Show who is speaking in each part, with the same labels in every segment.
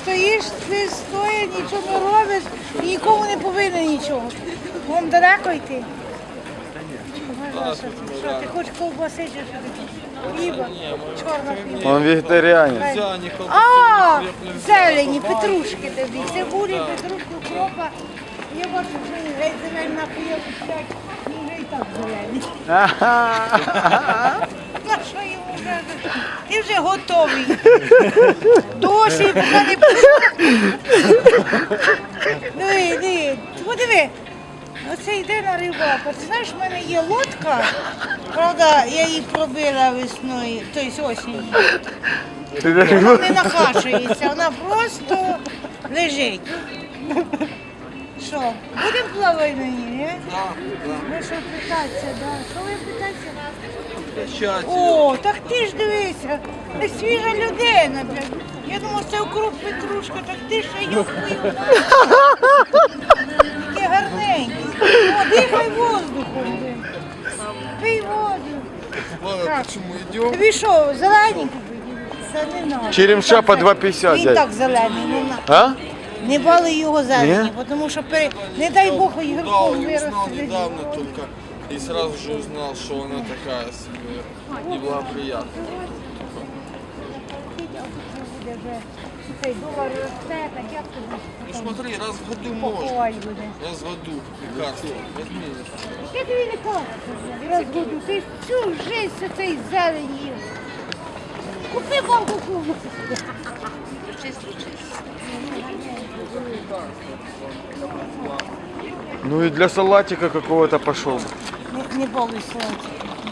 Speaker 1: стоїш, ти стоїш, нічого не робиш і нікому не повинен нічого. Вон далеко йти. Що, ти хочеш ковбаси чи що таке? Хліба, чорна хліба.
Speaker 2: Он вегетаріанець.
Speaker 1: А, зелені, петрушки тобі, цибулі, петрушки, укропа. Я бачу, що він геть зелень напоїв, він вже і так зелений. На що йому вже? Ти вже готовий. Досі поки не диви, подиви. Оце йде на рибалку. Ти знаєш, в мене є лодка, правда, я її пробила весною, тобто осінню. Вона не накачується, вона просто лежить. Що, будемо плавати на ній, не? Ви що питатися, да? Що ви питатися? О, так ти ж дивися, ти свіжа людина. Я думав, це укроп петрушка, так ти ще його пив. Таке гарненьке. О, дихай воздухом. Пий воду.
Speaker 3: Ладно, почему идем?
Speaker 1: Тобі що, зелененький? Це не надо.
Speaker 2: Черемша по 2,50
Speaker 1: Він
Speaker 2: дядь.
Speaker 1: так зелений, не надо.
Speaker 2: А?
Speaker 1: Не бали його зелені, тому що, не дай Бог,
Speaker 3: Да,
Speaker 1: ігроком
Speaker 3: узнал
Speaker 1: виросте.
Speaker 3: недавно только. И сразу же узнал, что она такая себе неблагоприятная.
Speaker 1: Цей долар росте, так як тобі?
Speaker 3: Ну смотри, раз в году можно.
Speaker 1: Поховай буде.
Speaker 3: Раз в году лекарство. Возьми.
Speaker 1: Яке тобі лікарство? Раз в году. Ти всю життя цей зелень їв. Купи банку кубу.
Speaker 2: Ну и для салатика какого-то пошел.
Speaker 1: Не балуй сонце.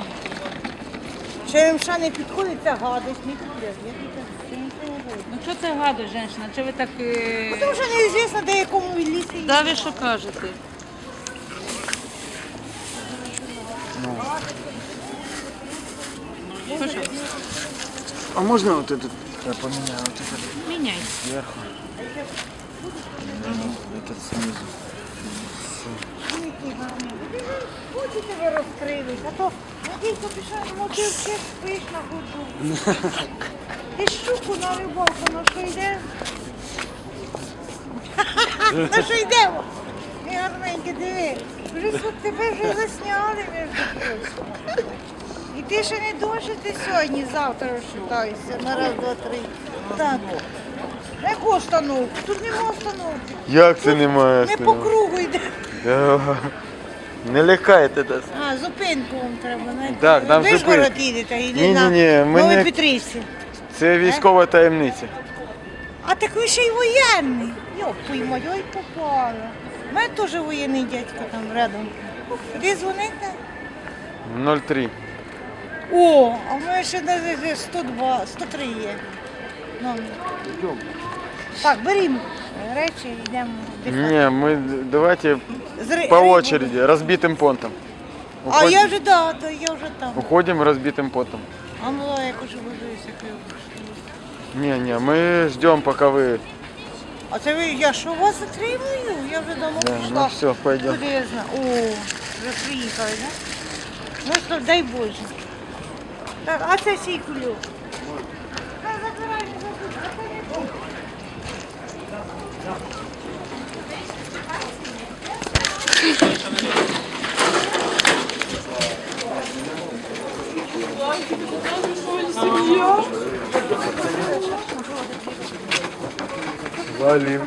Speaker 1: Черемша не підходить, це гадость, не підходить.
Speaker 4: Ну що це гадо, жінка? Чи ви так...
Speaker 1: Тому що неізвісно, де якому він лісі.
Speaker 4: Да, ви що кажете?
Speaker 2: А можно вот этот? Я поменяю вот этот
Speaker 4: Міняй.
Speaker 2: сверху. Этот снизу.
Speaker 1: Хочете ви розкрились, а то Надійко пішов, ну ти все спиш на ходу. Ти щуку на рибалку, на що йде? На що йдемо? Ти гарненьке, диви. Вже тут тебе вже засняли, між прочим. І ти ще не дожити сьогодні, завтра розчитайся на раз, два, три. Так. Яку установку? Тут нема установки.
Speaker 2: Як це немає?
Speaker 1: Не по кругу йде.
Speaker 2: Не лякайте нас.
Speaker 1: А, зупинку вам треба знайти.
Speaker 2: Так, нам
Speaker 1: ви ж
Speaker 2: зупинку.
Speaker 1: город їдете, йди
Speaker 2: Ні-ні-ні,
Speaker 1: на
Speaker 2: ми
Speaker 1: Новій
Speaker 2: не-
Speaker 1: Петрівці.
Speaker 2: Це військова таємниця.
Speaker 1: А так ви ще й воєнний. Йоп, твою мать, ой, попала. У мене теж воєнний дядько там рядом. Куди дзвонити?
Speaker 2: 03.
Speaker 1: О, а в мене ще навіть 102, 103 є. Номер. Так, берімо речі, йдемо дихати.
Speaker 2: Не, мы давайте по очереди, разбитым понтом.
Speaker 1: А я вже, да, то я вже там.
Speaker 2: Уходим разбитым понтом.
Speaker 1: А ну, я хочу подивитися.
Speaker 2: Не, мы ждем, пока вы...
Speaker 1: А це ви, я що вас затримую? Я вже давно
Speaker 2: Да,
Speaker 1: пішла.
Speaker 2: ну все, пойдем.
Speaker 1: Куди я знаю? О, вже приїхали, так? Ну що, дай Боже. Так, а це сій кульок. Та забирай, не забудь, а це не тут.
Speaker 2: Валим.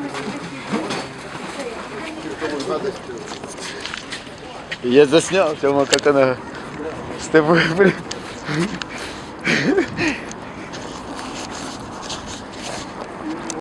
Speaker 2: Я заснял, Тёма, как она с тобой, блин.